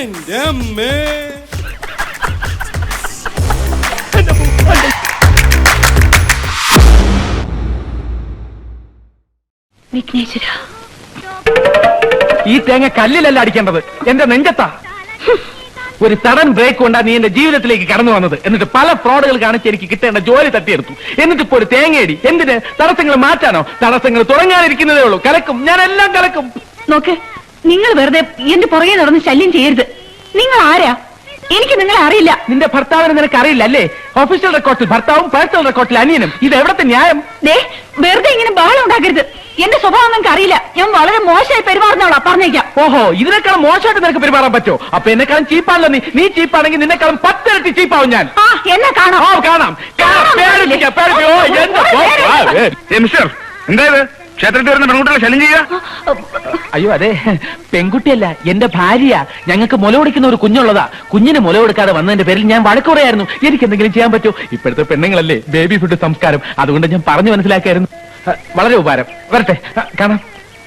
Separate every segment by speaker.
Speaker 1: എന്റെ അമ്മേ.
Speaker 2: വിഘ്നേശ്വര,
Speaker 3: ഈ തേങ്ങ കല്ലിലല്ല അടിക്കേണ്ടത്, എന്റെ നെഞ്ചത്താ. ഒരു സഡൻ ബ്രേക്ക് കൊണ്ടാ നീ എന്റെ ജീവിതത്തിലേക്ക് കടന്നു വന്നത്. എന്നിട്ട് പല ഫ്രോഡുകൾ കാണിച്ച് എനിക്ക് കിട്ടേണ്ട ജോലി തട്ടിയെടുത്തു. എന്നിട്ട് ഇപ്പോ ഒരു തേങ്ങയടി. എന്തിന്? തടസ്സങ്ങൾ മാറ്റാനോ? തടസ്സങ്ങൾ തുടങ്ങാനിരിക്കുന്നതേ ഉള്ളൂ. കലക്കും, ഞാൻ എല്ലാം കലക്കും.
Speaker 2: നോക്ക്, നിങ്ങൾ വെറുതെ എന്റെ പുറകെ നടന്ന് ശല്യം ചെയ്യരുത്. നിങ്ങൾ ആരാ? എനിക്ക് നിങ്ങളെ അറിയില്ല.
Speaker 3: നിന്റെ ഭർത്താവിനെ നിനക്ക് അറിയില്ല അല്ലേ? ഒഫീഷ്യൽ റെക്കോർഡിൽ ഭർത്താവും പേഴ്സണൽ റെക്കോർഡിൽ അനിയനും. ഇത് എവിടത്തെ ന്യായം?
Speaker 2: വെറുതെ ഇങ്ങനെ ബഹളം ഉണ്ടാക്കരുത്. എന്റെ സ്വഭാവം നിങ്ങൾക്ക് അറിയില്ല. ഞാൻ വളരെ മോശമായി പെരുമാറുന്നവളാ, പറഞ്ഞേക്കാം.
Speaker 3: ഓഹോ, ഇതിനേക്കാളും മോശമായിട്ട് നിനക്ക് പെരുമാറാൻ പറ്റോ? അപ്പൊ എന്നെക്കാളും ചീപ്പാണല്ലോ നീ. നീ ചീപ്പാണെങ്കിൽ നിന്നെക്കാളും 10 ഇരട്ടി ചീപ്പാവും ഞാൻ.
Speaker 2: എന്നെ കാണാം.
Speaker 3: കാണാം.
Speaker 4: എന്തായത് ക്ഷേത്രത്തിൽ വരുന്ന പെൺകുട്ടികളെ ശല്യം ചെയ്യുക?
Speaker 3: അയ്യോ അതെ, പെൺകുട്ടിയല്ല, എന്റെ ഭാര്യ. ഞങ്ങൾക്ക് മുല കൊടുക്കുന്ന ഒരു കുഞ്ഞുള്ളതാ. കുഞ്ഞിന് മുല കൊടുക്കാതെ വന്നതിന്റെ പേരിൽ ഞാൻ വഴക്ക് പറയായിരുന്നു. എനിക്ക് എന്തെങ്കിലും ചെയ്യാൻ പറ്റൂ? ഇപ്പോഴത്തെ പെണ്ണുങ്ങളല്ലേ ബേബി ഫുഡ് സംസ്കാരം. അതുകൊണ്ട് ഞാൻ പറഞ്ഞു മനസ്സിലാക്കായിരുന്നു. വളരെ ഉപകാരം. വരട്ടെ, കാണാം.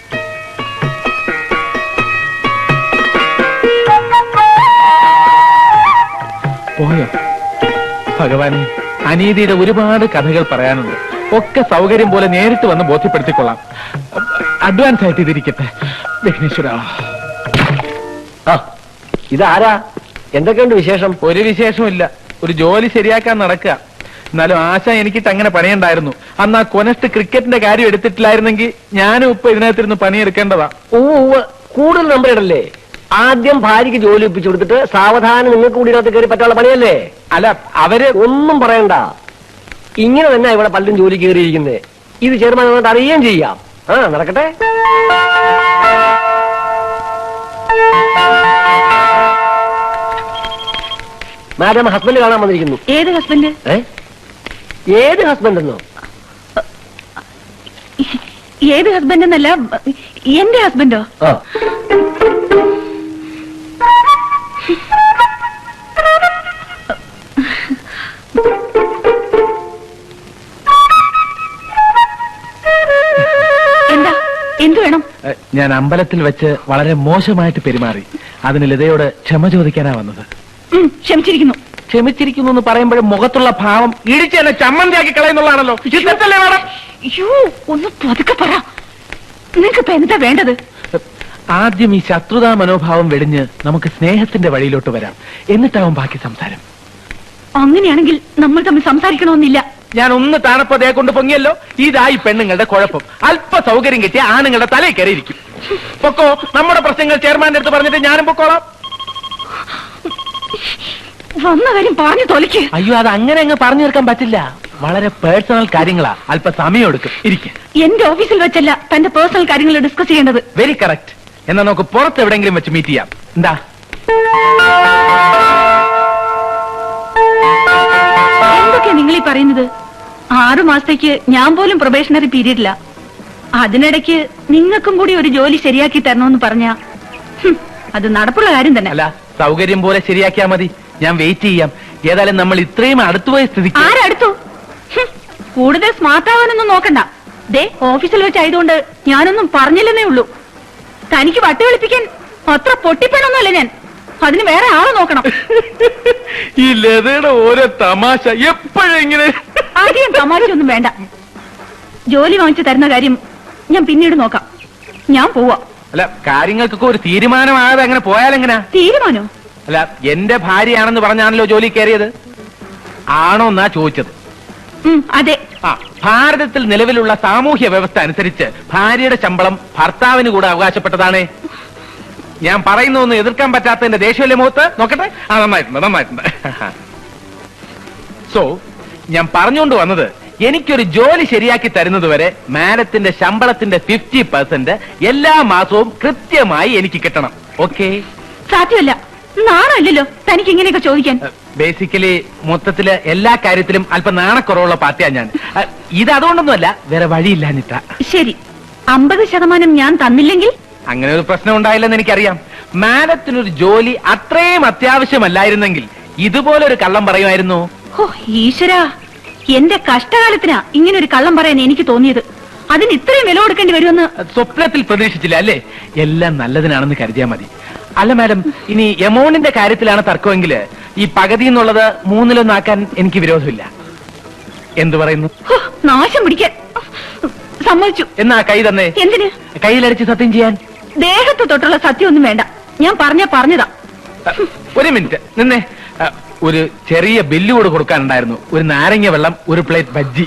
Speaker 3: പോയോ? ഭഗവാനെ, അനീതിയുടെ ഒരുപാട് കഥകൾ പറയാനുണ്ട്. ഒക്കെ സൗകര്യം പോലെ നേരിട്ട് വന്ന് ബോധ്യപ്പെടുത്തിക്കൊള്ളാം. അഡ്വാൻസ് ആയിട്ട് ഇതിരിക്കട്ടെ. വിഘ്നേശ്വര,
Speaker 5: ഇതാരാ? എന്തൊക്കെയുണ്ട് വിശേഷം?
Speaker 3: ഒരു വിശേഷമില്ല. ഒരു ജോലി ശരിയാക്കാൻ നടക്കുക. എന്നാലും ആശ എനിക്കിട്ട് അങ്ങനെ പണിയുണ്ടായിരുന്നു. അന്ന് ആ കൊനസ്റ്റ് ക്രിക്കറ്റിന്റെ കാര്യം എടുത്തിട്ടില്ലായിരുന്നെങ്കിൽ ഞാനും ഇപ്പൊ ഇതിനകത്തിരുന്ന് പണിയെടുക്കേണ്ടതാ.
Speaker 5: കൂടുതൽ നമ്പർ ഇടല്ലേ? ആദ്യം ഭാര്യയ്ക്ക് ജോലി ഒപ്പിച്ചു കൊടുത്തിട്ട് സാവധാനം നിങ്ങൾക്ക് കൂടി ഇതിനകത്ത് കയറി പറ്റാനുള്ള പണിയല്ലേ?
Speaker 3: അല്ല, അവര്
Speaker 5: ഒന്നും പറയണ്ട. ഇങ്ങനെ തന്നെ ഇവിടെ പലരും ജോലി കയറിയിരിക്കുന്നത്. ഇത് ചെയർമാൻ വന്നിട്ട് അറിയുകയും ചെയ്യാം. നടക്കട്ടെ. മാഡം, ഹസ്ബൻഡ് കാണാൻ വന്നിരിക്കുന്നു.
Speaker 2: ഏത് ഹസ്ബൻഡ്?
Speaker 5: ഏത് ഹസ്ബൻഡ് എന്നോ?
Speaker 2: ഏത് ഹസ്ബൻഡ് എന്നല്ല, എന്റെ ഹസ്ബൻഡോ? എന്താ? എന്തു വേണം?
Speaker 3: ഞാൻ അമ്പലത്തിൽ വെച്ച് വളരെ മോശമായിട്ട് പെരുമാറി. അതിന് ലതയോട് ക്ഷമ ചോദിക്കാനാ വന്നത്.
Speaker 2: ക്ഷമിച്ചിരിക്കുന്നു.
Speaker 3: ക്ഷമിച്ചിരിക്കുന്നു എന്ന് പറയുമ്പോഴും മുഖത്തുള്ള ഭാവം ഇടിച്ച് എന്നെ ചമ്മന്തിയാക്കി കളയുന്നുള്ളതാണല്ലോ. ഇഷ്ടത്തല്ലേ മാഡം?
Speaker 2: അയ്യോ, ഒന്ന് പതുക്കെ പറ. നിങ്ങൾക്ക് ഇപ്പൊ എന്താ വേണ്ടത്?
Speaker 3: ആദ്യം ഈ ശത്രുതാ മനോഭാവം വെടിഞ്ഞ് നമുക്ക് സ്നേഹത്തിന്റെ വഴിയിലോട്ട് വരാം. എന്നിട്ടാവും ബാക്കി സംസാരം.
Speaker 2: അങ്ങനെയാണെങ്കിൽ നമ്മൾ തമ്മിൽ സംസാരിക്കണമെന്നില്ല.
Speaker 3: ഞാൻ ഒന്ന് താണപ്പതേ കൊണ്ട് പൊങ്ങിയല്ലോ. ഇതായി പെണ്ണുങ്ങളുടെ കുഴപ്പം. അല്പ സൗകര്യം കിട്ടിയ ആണുങ്ങളുടെ തലയിൽ കയറിയിരിക്കും. പൊക്കോ, നമ്മുടെ പ്രശ്നങ്ങൾ ചെയർമാന്റെ അടുത്ത് പറഞ്ഞിട്ട് ഞാനും പൊക്കോളാം.
Speaker 2: വന്ന കാര്യം പറഞ്ഞു തൊലയ്ക്ക്.
Speaker 3: അയ്യോ, അത് അങ്ങനെ അങ്ങ് പറഞ്ഞു തീർക്കാൻ പറ്റില്ല. വളരെ പേഴ്സണൽ കാര്യങ്ങളാ. അല്പ സമയം എടുക്കും. ഇരിക്കും.
Speaker 2: എന്റെ ഓഫീസിൽ വെച്ചല്ല തന്റെ പേഴ്സണൽ കാര്യങ്ങൾ ഡിസ്കസ് ചെയ്യേണ്ടത്.
Speaker 3: Very correct. എന്നാ നമുക്ക് പുറത്ത് എവിടെയെങ്കിലും വെച്ച് മീറ്റ് ചെയ്യാം. എന്താ?
Speaker 2: എന്തൊക്കെയാ നിങ്ങൾ ഈ പറയുന്നത്? 6 മാസത്തേക്ക് ഞാൻ പോലും പ്രൊബേഷണറി പീരീഡില്ല. അതിനിടയ്ക്ക് നിങ്ങൾക്കും കൂടി ഒരു ജോലി ശരിയാക്കി തരണമെന്ന് പറഞ്ഞാ അത് നടപ്പുള്ള കാര്യം തന്നെ.
Speaker 3: അല്ല, സൗകര്യം പോലെ ശരിയാക്കിയാ മതി. ഞാൻ വെയിറ്റ് ചെയ്യാം. ഏതായാലും നമ്മൾ ഇത്രയും അടുത്തുപോയ സ്ഥിതിക്ക്.
Speaker 2: ആരടുത്തു? കൂടുതൽ സ്മാർട്ട് ആവാനൊന്നും നോക്കണ്ട. ദേ, ഓഫീസിൽ വെച്ചായതുകൊണ്ട് ഞാനൊന്നും പറഞ്ഞില്ലെന്നേ ഉള്ളൂ. തനിക്ക് വട്ട് കളിപ്പിക്കാൻ അത്ര പൊട്ടിപ്പണൊന്നുമല്ല ഞാൻ. അതിന് വേറെ ആളെ നോക്കണം.
Speaker 3: ഈ ലതയുടെ ഓരോ തമാശ എപ്പോഴെങ്ങനെ.
Speaker 2: ആദ്യം തമാശയൊന്നും വേണ്ട. ജോലി വാങ്ങിച്ചു തരുന്ന കാര്യം ഞാൻ പിന്നീട് നോക്കാം. ഞാൻ പോവാ.
Speaker 3: അല്ല, കാര്യങ്ങൾക്കൊക്കെ ഒരു തീരുമാനമാകാതെ അങ്ങനെ പോയാലെങ്ങനാ?
Speaker 2: തീരുമാനോ?
Speaker 3: അല്ല, എന്റെ ഭാര്യയാണെന്ന് പറഞ്ഞാണല്ലോ ജോലി കയറിയത്. ആണോ എന്നാ ചോദിച്ചത്.
Speaker 2: അതെ.
Speaker 3: ഭാരതത്തിൽ നിലവിലുള്ള സാമൂഹ്യ വ്യവസ്ഥ അനുസരിച്ച് ഭാര്യയുടെ ശമ്പളം ഭർത്താവിന് കൂടെ അവകാശപ്പെട്ടതാണ്. ഞാൻ പറയുന്നൊന്നും എതിർക്കാൻ പറ്റാത്തതിന്റെ ദേഷ്യമല്ലേ മുഖത്ത്? നോക്കട്ടെ. നന്നായിട്ടുണ്ട്. സോ ഞാൻ പറഞ്ഞുകൊണ്ട് വന്നത്, എനിക്കൊരു ജോലി ശരിയാക്കി തരുന്നത് വരെ മാഡത്തിന്റെ ശമ്പളത്തിന്റെ 50% എല്ലാ മാസവും കൃത്യമായി എനിക്ക് കിട്ടണം. ഓക്കെ?
Speaker 2: സാധ്യമല്ല. നാണല്ലോ തനിക്ക് ഇങ്ങനെയൊക്കെ ചോദിക്കാൻ.
Speaker 3: ബേസിക്കലി മൊത്തത്തില് എല്ലാ കാര്യത്തിലും അല്പം നാണക്കുറവുള്ള പാർട്ടിയാ ഞാൻ. ഇത് അതുകൊണ്ടൊന്നുമല്ല, വേറെ വഴിയില്ലാഞ്ഞിട്ടാ.
Speaker 2: ശരി, 50% ഞാൻ തന്നില്ലെങ്കിൽ?
Speaker 3: അങ്ങനെ ഒരു പ്രശ്നം ഉണ്ടായില്ലെന്ന് എനിക്കറിയാം. മാഡത്തിനൊരു ജോലി അത്രയും അത്യാവശ്യമല്ലായിരുന്നെങ്കിൽ ഇതുപോലൊരു കള്ളം പറയുമായിരുന്നു.
Speaker 2: ഓ ഈശ്വരാ, എന്റെ കഷ്ടകാലത്തിനാ ഇങ്ങനെ ഒരു കള്ളം പറയാൻ എനിക്ക് തോന്നിയത്. അതിന് ഇത്രയും വില കൊടുക്കേണ്ടി വരുമെന്ന്
Speaker 3: സ്വപ്നത്തിൽ പ്രതീക്ഷിച്ചില്ല അല്ലേ? എല്ലാം നല്ലതിനാണെന്ന് കരുതിയാൽ മതി. അല്ല മാഡം, ഇനി എമൗണ്ടിന്റെ കാര്യത്തിലാണ് തർക്കമെങ്കിൽ ഈ പകുതി എന്നുള്ളത് 3-1 എനിക്ക് വിരോധമില്ല. എന്തു പറയുന്നു?
Speaker 2: ഹോ, നാശം പിടിക്കാൻ സമ്മതിച്ചു.
Speaker 3: എന്നാ കൈ തന്നെ.
Speaker 2: എന്തിന്?
Speaker 3: കയ്യിലടിച്ച് സത്യം ചെയ്യാൻ.
Speaker 2: ദേഹത്ത് തൊട്ടുള്ള സത്യമൊന്നും വേണ്ട, ഞാൻ പറഞ്ഞതാ.
Speaker 3: ഒരു മിനിറ്റ് നിന്നെ. ഒരു ചെറിയ ബില്ല് കൂടെ കൊടുക്കാനുണ്ടായിരുന്നു. ഒരു നാരങ്ങ വെള്ളം, ഒരു പ്ലേറ്റ് ബജ്ജി.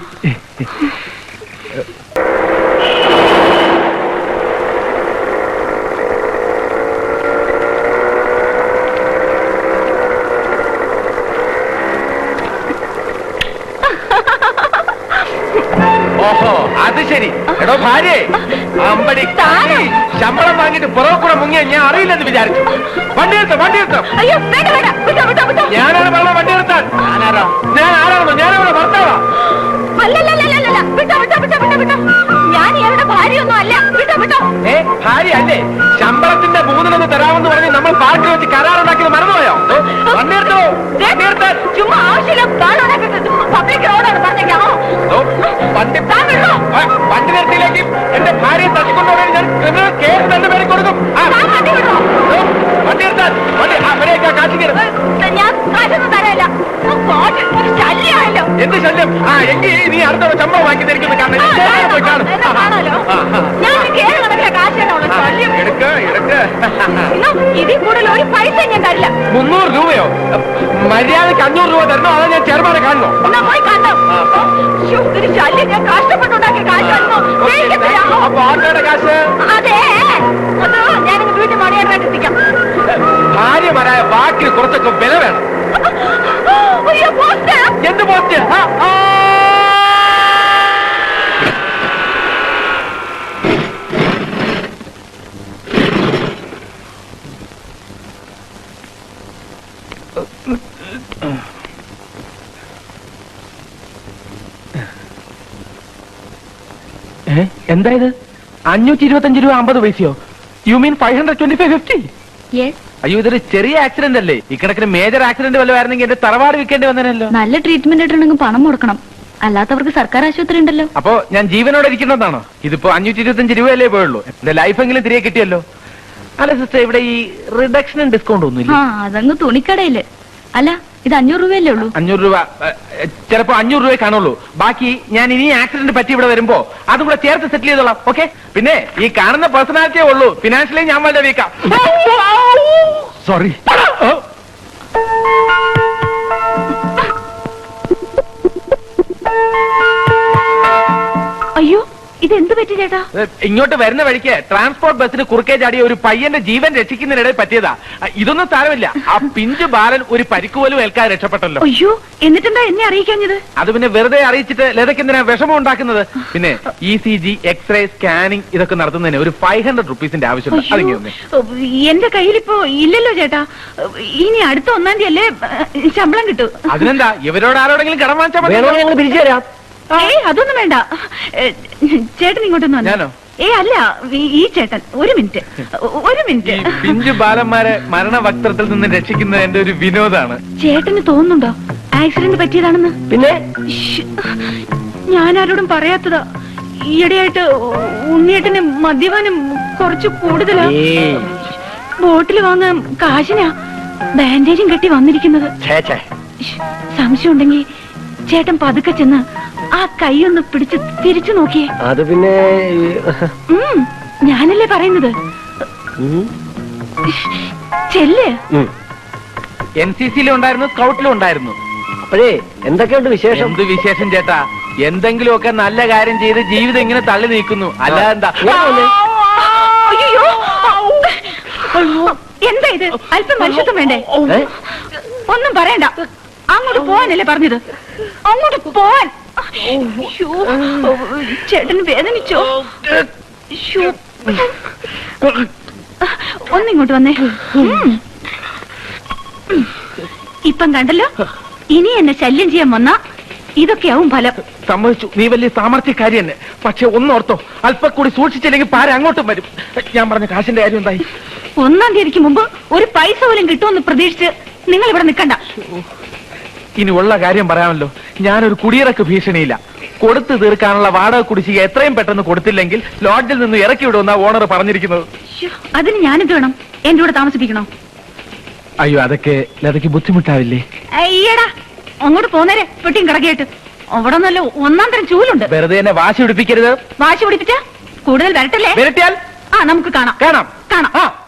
Speaker 3: ഓഹോ, അത് ശരി. എടോ ഭാര്യ, അമ്പടി ശമ്പളം വാങ്ങിട്ട് പുറകെ കൂടെ മുങ്ങിയ ഞാൻ അറിയില്ലെന്ന് വിചാരിച്ചു. വണ്ടി എടുത്തോ.
Speaker 2: അയ്യോ വേണ്ട വേണ്ട, വിട്ടോ വിട്ടോ വിട്ടോ.
Speaker 3: ഞാനാണ് പറഞ്ഞ വണ്ടി എടുത്താൽ. ഞാൻ ആരാണോ? ഞാനവിടെ ഭർത്താവാ.
Speaker 2: അല്ലല്ലല്ലല്ല, വിട്ടോ വിട്ടോ വിട്ടോ വിട്ടോ വിട്ടോ. ഞാൻ ഇവരുടെ ഭാര്യയൊന്നും അല്ല. വിട്ടോ വിട്ടോ.
Speaker 3: ഭാര്യ അല്ലേ? ശമ്പളത്തിന്റെ 3-1 തരാമെന്ന് പറഞ്ഞ് നമ്മൾ പാർക്കിൽ വെച്ച് കരാറുണ്ടാക്കിയത് മറന്നുപോയോ? വണ്ടി എടുത്തോ.
Speaker 2: ചുമ്മാ ആവശ്യമില്ല പബ്ലിക് റോഡാണ് പറഞ്ഞേക്കാമോ?
Speaker 3: വണ്ടി നിർത്തിയിലേക്ക് എന്റെ ഭാര്യയെ തട്ടിക്കൊണ്ടുപോകാൻ ഞാൻ ക്രിമിനൽ കേസ് തന്നെ പേര് കൊടുക്കും. വണ്ടി എടുത്താൽ കാശിക്കരുത്.
Speaker 2: ഞാൻ കാശൊന്നും തരല്ല. ശല്യമായല്ലോ.
Speaker 3: എന്ത് ശല്യം? എങ്കിൽ നീ അടുത്ത ശമ്പളം വാങ്ങി തരിക്കുന്ന
Speaker 2: കാണാലോ. ഞാൻ കേരള കണക്കിലെ കാശാണോ ശല്യം? ഇതിൽ കൂടുതൽ ഒരു പൈസ ഞാൻ തരില്ല.
Speaker 3: 300 രൂപയോ? മര്യാദക്ക് 500 രൂപ തരണോ? അതോ ഞാൻ ചെറുപാടെ കാണണോ?
Speaker 2: എന്നാ പോയി കാണാം. ഒരു ശല്യം ഞാൻ കഷ്ടപ്പെട്ടുണ്ടാക്കിയ കാശാണോ?
Speaker 3: അപ്പൊ ആട്ടോയുടെ കാശ്?
Speaker 2: അതെ, അത് ഞാനിന്ന് വീട്ടിൽ മണിയായിട്ട് എത്തിക്കാം.
Speaker 3: ഭാര്യമാരായ വാക്കിന് കുറച്ചൊക്കെ വില വേണം. എന്ത് പോസ്റ്റ്? എന്തായത്? 525 രൂപ 50 പൈസയോ? You mean 525.50? അയ്യോ, ഇതൊരു ചെറിയ ആക്സിഡന്റ് അല്ലേ? ഇക്കണക്കിന് മേജർ ആക്സിഡന്റ് വല്ല ആയിരുന്നെങ്കിൽ എന്റെ തറവാട് വിൽക്കേണ്ടി വന്നേനല്ലോ.
Speaker 2: നല്ല ട്രീറ്റ്മെന്റ് ആയിട്ടുണ്ടെങ്കിൽ പണം കൊടുക്കണം, അല്ലാത്തവർക്ക് സർക്കാർ ആശുപത്രി ഉണ്ടല്ലോ.
Speaker 3: അപ്പോ ഞാൻ ജീവനോടെ ഇരിക്കണമെന്നാണോ? ഇതിപ്പോ 525 രൂപയല്ലേ പോയുള്ളൂ. എന്റെ ലൈഫെങ്കിലും തിരികെ കിട്ടിയല്ലോ. അല്ല സിസ്റ്റർ, ഇവിടെ ഈ റിഡക്ഷനും ഡിസ്കൗണ്ട് ഒന്നുമില്ല?
Speaker 2: അതങ്ങ് തുണിക്കടയില്. അല്ല, ഇത് 500 രൂപയല്ലേ ഉള്ളൂ?
Speaker 3: 500 രൂപ ചിലപ്പോ 500 രൂപയെ കാണുള്ളൂ. ബാക്കി ഞാൻ ഇനി ആക്സിഡന്റ് പറ്റി ഇവിടെ വരുമ്പോ അതും കൂടെ ചേർത്ത് സെറ്റിൽ ചെയ്തോളാം. ഓക്കെ? പിന്നെ ഈ കാണുന്ന പേഴ്സണാലിറ്റിയേ ഉള്ളൂ, ഫിനാൻഷ്യലി ഞാൻ വളരെ വീക്കാം. സോറി.
Speaker 2: അയ്യോ, ഇതെന്ത് പറ്റി ചേട്ടാ?
Speaker 3: ഇങ്ങോട്ട് വരുന്ന വഴിക്ക് ട്രാൻസ്പോർട്ട് ബസ്സിന് കുറുക്കേ ചാടിയ ഒരു പയ്യന്റെ ജീവൻ രക്ഷിക്കുന്നതിനിടയിൽ പറ്റിയതാ. ഇതൊന്നും സാരമില്ല. ആ പിഞ്ചു ബാലൻ ഒരു പരിക്ക് പോലും ഏൽക്കാതെ രക്ഷപ്പെട്ടല്ലോ.
Speaker 2: അയ്യോ, എന്നിട്ടെന്താ എന്നെ അറിയിക്കാഞ്ഞത്?
Speaker 3: അത് പിന്നെ വെറുതെ അറിയിച്ചിട്ട് ലതയ്ക്ക് എന്തിനാ വിഷമം ഉണ്ടാക്കുന്നത്? പിന്നെ ECG, എക്സ്റേ, സ്കാനിങ് ഇതൊക്കെ നടത്തുന്നതിന് ഒരു 500 റുപ്പീസിന്റെ ആവശ്യമുണ്ട്. അതിങ്ങനെ
Speaker 2: എന്റെ കയ്യിലിപ്പോ ഇല്ലല്ലോ ചേട്ടാ. ഇനി അടുത്ത 1-ാം തീയതി അല്ലേ ശമ്പളം കിട്ടൂ.
Speaker 3: അതിനെന്താ, ഇവരോട് ആരോടെങ്കിലും കടം വാങ്ങിച്ചാൽ മതി.
Speaker 5: ഞങ്ങൾ പിരിച്ചു തരാം.
Speaker 2: അതൊന്നും വേണ്ട. ചേട്ടൻ ഇങ്ങോട്ടൊന്നും
Speaker 3: ഞാനോ?
Speaker 2: അല്ല, ഈ ചേട്ടൻ. ഒരു മിനിറ്റ്.
Speaker 3: ഈ പിഞ്ചു ബാലന്മാരെ മരണവക്ത്രത്തിൽ നിന്ന് രക്ഷിക്കുന്നത് എന്റെ ഒരു വിനോദാണ്.
Speaker 2: ചേട്ടന് തോന്നുന്നുണ്ടോ ആക്സിഡന്റ് പറ്റിയതാണെന്ന്?
Speaker 5: പിന്നെ
Speaker 2: ഞാൻ ആരോടും പറയാത്തതാ. ഈയിടെയായിട്ട് ഉണ്ണിയേട്ടന് മദ്യപാനം കുറച്ച് കൂടുതലാ. ബോട്ടിൽ വാങ്ങാൻ കാശിനാ ബാൻഡേജും കെട്ടി വന്നിരിക്കുന്നത്. സംശയം ഉണ്ടെങ്കിൽ ചേട്ടൻ പതുക്കെ ചെന്ന് ആ കൈ ഒന്ന് പിടിച്ച് തിരിച്ചു നോക്കിയേ.
Speaker 5: അത് പിന്നെ
Speaker 2: ഞാനല്ലേ പറയുന്നത്. ചെല്ല്.
Speaker 3: NCC-യിലും ഉണ്ടായിരുന്നു, സ്കൗട്ടിലും ഉണ്ടായിരുന്നു.
Speaker 5: അപ്പോഴേ എന്തൊക്കെയുണ്ട് വിശേഷം?
Speaker 3: എന്ത് വിശേഷം ചേട്ടാ? എന്തെങ്കിലുമൊക്കെ നല്ല കാര്യം ചെയ്ത് ജീവിതം ഇങ്ങനെ തള്ളി നീക്കുന്നു. അല്ലാതെ എന്താ?
Speaker 2: അയ്യോ, എന്താ ഇത്? അല്പം മനുഷ്യത്വം വേണ്ടേ? ഒന്നും പറയണ്ട. അങ്ങോട്ട് പോവാനല്ലേ പറഞ്ഞത്? അങ്ങോട്ട് പോവാൻ. ചേട്ടന് വേദനിച്ചോ? ഒന്നിങ്ങോട്ട് വന്നേ. ഇപ്പം കണ്ടല്ലോ, ഇനി എന്നെ ശല്യം ചെയ്യാൻ വന്നാ ഇതൊക്കെയാവും ഫലം.
Speaker 3: സമ്മതിച്ചു, നീ വലിയ സാമർത്ഥ്യക്കാരി തന്നെ. പക്ഷെ ഒന്നോർത്തോ, അല്പം കൂടി സൂക്ഷിച്ചില്ലെങ്കിൽ പാര അങ്ങോട്ടും വരും. ഞാൻ പറഞ്ഞ കാശിന്റെ കാര്യം എന്തായി?
Speaker 2: 1-ാം തീയതിക്ക് മുമ്പ് ഒരു പൈസ പോലും കിട്ടുമെന്ന് പ്രതീക്ഷിച്ച് നിങ്ങൾ ഇവിടെ നിൽക്കണ്ട.
Speaker 3: ഇനി ഉള്ള കാര്യം പറയാമല്ലോ. ഞാനൊരു കുടിയിറക്ക് ഭീഷണിയില്ല. കൊടുത്തു തീർക്കാനുള്ള വാടക കുടിശ്ശിക എത്രയും പെട്ടെന്ന് കൊടുത്തില്ലെങ്കിൽ ലോഡ്ജിൽ നിന്ന് ഇറക്കി വിടുമെന്നാ ഓണർ പറഞ്ഞിരിക്കുന്നത്.
Speaker 2: അതിന് ഞാനിത് വേണം. എന്റെ കൂടെ താമസിപ്പിക്കണോ?
Speaker 3: അയ്യോ അതൊക്കെ ലതയ്ക്ക് ബുദ്ധിമുട്ടാവില്ലേ?
Speaker 2: അയ്യടാ, അങ്ങോട്ട് പോന്നേരെ പെട്ടിയും കിടക്കയായിട്ട്. അവിടെ നല്ല ഒന്നാം തരം ചൂലുണ്ട്.
Speaker 3: വെറുതെ എന്നെ വാശി പിടിപ്പിക്കരുത്.
Speaker 2: വാശി പിടിപ്പിച്ച കൂടുതൽ വരട്ടല്ലേ?
Speaker 3: വിരട്ടിയാൽ
Speaker 2: നമുക്ക് കാണാം
Speaker 3: കാണാം.
Speaker 2: കാണാം.
Speaker 3: ആ